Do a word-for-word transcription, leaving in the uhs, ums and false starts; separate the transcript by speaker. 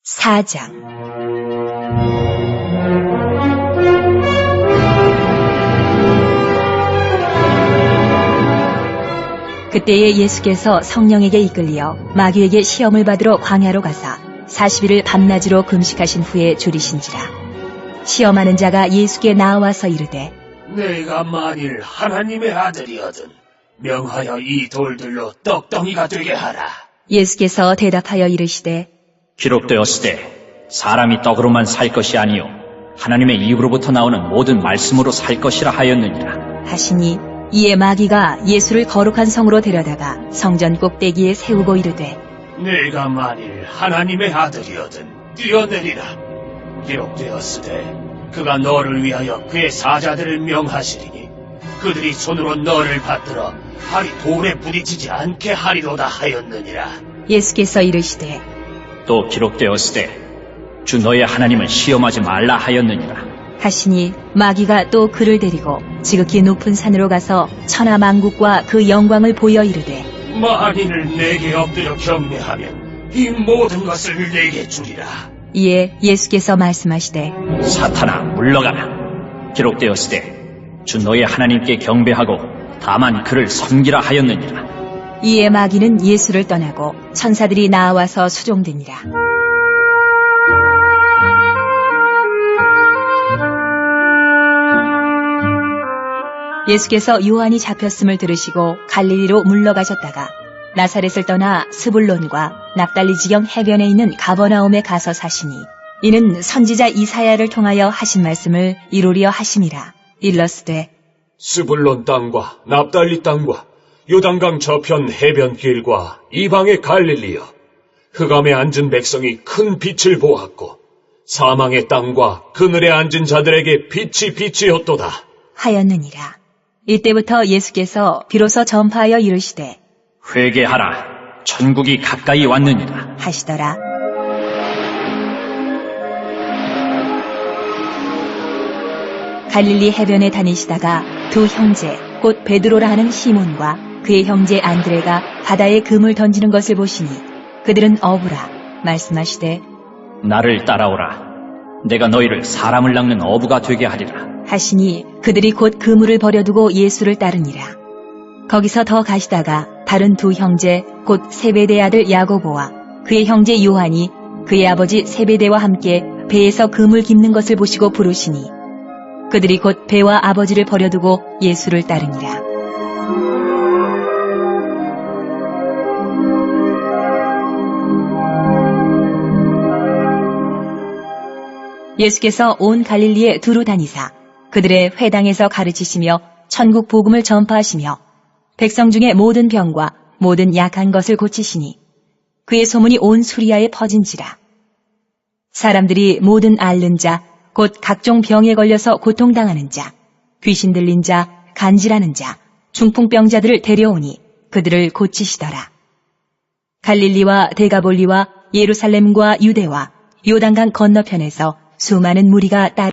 Speaker 1: 사 장 그때에 예수께서 성령에게 이끌려 마귀에게 시험을 받으러 광야로 가사 사십 일을 밤낮으로 금식하신 후에 줄이신지라. 시험하는 자가 예수께 나와서 이르되
Speaker 2: 내가 만일 하나님의 아들이거든 명하여 이 돌들로 떡덩이가 되게 하라.
Speaker 1: 예수께서 대답하여 이르시되
Speaker 3: 기록되었으되 사람이 떡으로만 살 것이 아니요 하나님의 입으로부터 나오는 모든 말씀으로 살 것이라 하였느니라
Speaker 1: 하시니, 이에 마귀가 예수를 거룩한 성으로 데려다가 성전 꼭대기에 세우고 이르되
Speaker 2: 내가 만일 하나님의 아들이거든 뛰어내리라. 기록되었으되 그가 너를 위하여 그의 사자들을 명하시리니 그들이 손으로 너를 받들어 발이 돌에 부딪히지 않게 하리로다 하였느니라.
Speaker 1: 예수께서 이르시되
Speaker 3: 또 기록되었으되 주 너의 하나님을 시험하지 말라 하였느니라
Speaker 1: 하시니, 마귀가 또 그를 데리고 지극히 높은 산으로 가서 천하 만국과 그 영광을 보여 이르되
Speaker 2: 만일 내게 엎드려 경배하면 이 모든 것을 내게 주리라.
Speaker 1: 이에 예수께서 말씀하시되
Speaker 3: 사탄아 물러가라. 기록되었으되 주 너의 하나님께 경배하고 다만 그를 섬기라 하였느니라.
Speaker 1: 이에 마귀는 예수를 떠나고 천사들이 나와서 수종되니라. 예수께서 요한이 잡혔음을 들으시고 갈릴리로 물러가셨다가 나사렛을 떠나 스불론과 납달리 지경 해변에 있는 가버나움에 가서 사시니, 이는 선지자 이사야를 통하여 하신 말씀을 이루려 하심이라. 일러스되
Speaker 2: 스불론 땅과 납달리 땅과 요단강 저편 해변길과 이방의 갈릴리여, 흑암에 앉은 백성이 큰 빛을 보았고 사망의 땅과 그늘에 앉은 자들에게 빛이 빛이었도다
Speaker 1: 하였느니라. 이때부터 예수께서 비로소 전파하여 이르시되
Speaker 3: 회개하라. 천국이 가까이 왔느니라
Speaker 1: 하시더라. 갈릴리 해변에 다니시다가 두 형제 곧 베드로라 하는 시몬과 그의 형제 안드레가 바다에 금을 던지는 것을 보시니 그들은 어부라. 말씀하시되
Speaker 3: 나를 따라오라. 내가 너희를 사람을 낚는 어부가 되게 하리라
Speaker 1: 하시니, 그들이 곧 그물을 버려두고 예수를 따르니라. 거기서 더 가시다가 다른 두 형제 곧 세베대의 아들 야고보와 그의 형제 요한이 그의 아버지 세베대와 함께 배에서 그물 깁는 것을 보시고 부르시니 그들이 곧 배와 아버지를 버려두고 예수를 따르니라. 예수께서 온 갈릴리에 두루 다니사 그들의 회당에서 가르치시며 천국 복음을 전파하시며 백성 중에 모든 병과 모든 약한 것을 고치시니 그의 소문이 온 수리아에 퍼진지라. 사람들이 모든 앓는 자, 곧 각종 병에 걸려서 고통당하는 자, 귀신 들린 자, 간질하는 자, 중풍병자들을 데려오니 그들을 고치시더라. 갈릴리와 데가볼리와 예루살렘과 유대와 요단강 건너편에서 수많은 무리가 따르